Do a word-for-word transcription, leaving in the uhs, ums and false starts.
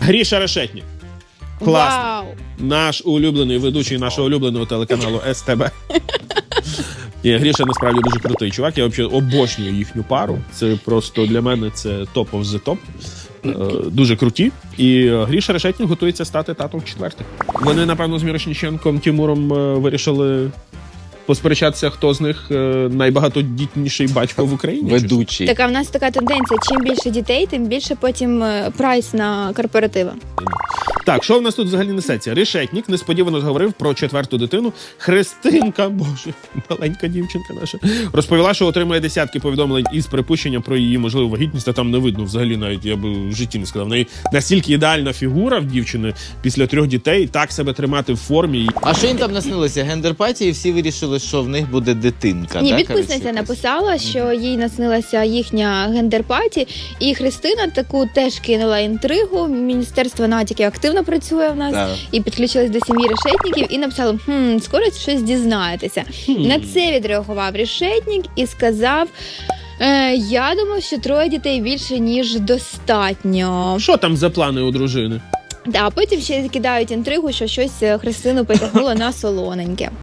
Гріша Решетнік. Класно. Вау! Наш улюблений ведучий нашого улюбленого телеканалу ес те бе. Ні, Гріша насправді дуже крутий чувак. Я взагалі обожнюю їхню пару. Це просто для мене це top of the top. Е, дуже круті. І Гріша Решетнік готується стати татом четвертих. Вони, напевно, з Мірошніченком Тимуром е, вирішили посперечатися, хто з них е, найбагатодітніший батько в Україні. Ведучий. Так, а в нас така тенденція, чим більше дітей, тим більше потім е, прайс на корпоративи. Так, що в нас тут взагалі несеться? Решетнік несподівано зговорив про четверту дитину. Христинка, боже, маленька дівчинка наша, розповіла, що отримає десятки повідомлень із припущенням про її можливу вагітність, а там не видно взагалі навіть, я би в житті не сказав. В неї настільки ідеальна фігура в дівчини після трьох дітей, так себе тримати в формі. А що їм там наснилося? Гендерпатії, і всі вирішили, що в них буде дитинка. Ні, да, підписниця коротше, написала, що їй наснилася їхня гендерпаті, і Христина таку теж кинула інтригу. Міністерство натяки активно працює в нас, Так. і підключилась до сім'ї Решетніків, і написала, хм, скоро щось дізнаєтеся. На це відреагував Решетнік і сказав, е, я думав, що троє дітей більше, ніж достатньо. Що там за плани у дружини? А потім ще кидають інтригу, що щось Христину потягнуло на солоненьке.